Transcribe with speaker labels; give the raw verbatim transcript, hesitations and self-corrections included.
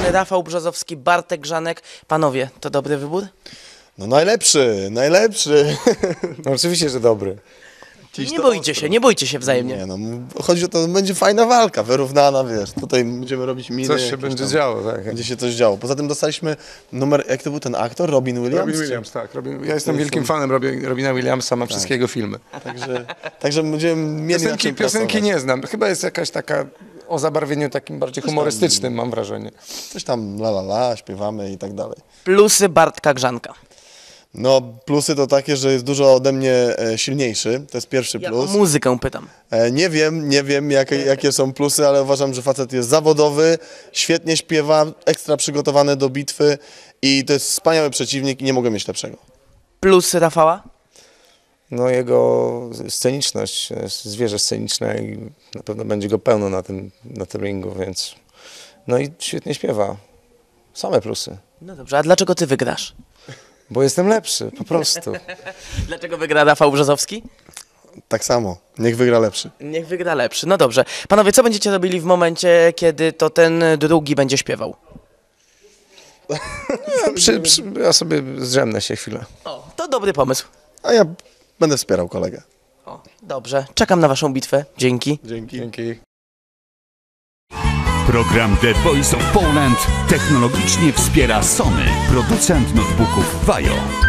Speaker 1: Rafał Brzozowski, Bartek Grzanek. Panowie, to dobry wybór?
Speaker 2: No najlepszy, najlepszy.
Speaker 3: No oczywiście, że dobry.
Speaker 2: Dziś
Speaker 1: Nie
Speaker 2: to
Speaker 1: boicie
Speaker 2: ostro.
Speaker 1: się, nie bojcie się wzajemnie.
Speaker 2: Nie no, chodzi o to, że będzie fajna walka, wyrównana, wiesz. Tutaj będziemy robić miny.
Speaker 3: Coś się
Speaker 2: jakieś
Speaker 3: będzie
Speaker 2: tam.
Speaker 3: działo, tak.
Speaker 2: Będzie się coś działo. Poza tym dostaliśmy numer, jak to był ten aktor? Robin Williams?
Speaker 3: Robin Williams, tak. Robin, ja jestem wielkim fanem Robin, Robina Williamsa, ma wszystkie jego filmy.
Speaker 2: Także, także będziemy mieli na
Speaker 3: Piosenki,
Speaker 2: czym
Speaker 3: piosenki
Speaker 2: pracować.
Speaker 3: nie znam. Chyba jest jakaś taka o zabarwieniu takim bardziej humorystycznym, mam wrażenie.
Speaker 2: Coś tam la la la, śpiewamy i tak dalej.
Speaker 1: Plusy Bartka Grzanka.
Speaker 2: No plusy to takie, że jest dużo ode mnie e, silniejszy, to jest pierwszy
Speaker 1: Ja o
Speaker 2: plus.
Speaker 1: muzykę pytam.
Speaker 2: E, nie wiem, nie wiem jakie, jakie są plusy, ale uważam, że facet jest zawodowy, świetnie śpiewa, ekstra przygotowany do bitwy i to jest wspaniały przeciwnik i nie mogę mieć lepszego.
Speaker 1: Plusy Rafała?
Speaker 3: No jego sceniczność, jest zwierzę sceniczne i na pewno będzie go pełno na tym, na tym ringu, więc... No i świetnie śpiewa. Same plusy.
Speaker 1: No dobrze, a dlaczego ty wygrasz?
Speaker 3: Bo jestem lepszy, po prostu.
Speaker 1: Dlaczego wygra Rafał Brzozowski?
Speaker 2: Tak samo, niech wygra lepszy.
Speaker 1: Niech wygra lepszy. No dobrze. Panowie, co będziecie robili w momencie, kiedy to ten drugi będzie śpiewał?
Speaker 3: Ja, przy, przy, ja sobie zdrzemnę się chwilę.
Speaker 1: O, to dobry pomysł.
Speaker 2: A ja będę wspierał kolegę.
Speaker 1: O, dobrze. Czekam na waszą bitwę. Dzięki.
Speaker 2: Dzięki.
Speaker 3: Dzięki.
Speaker 4: Program The Voice of Poland technologicznie wspiera Sony, producent notebooków Vajo.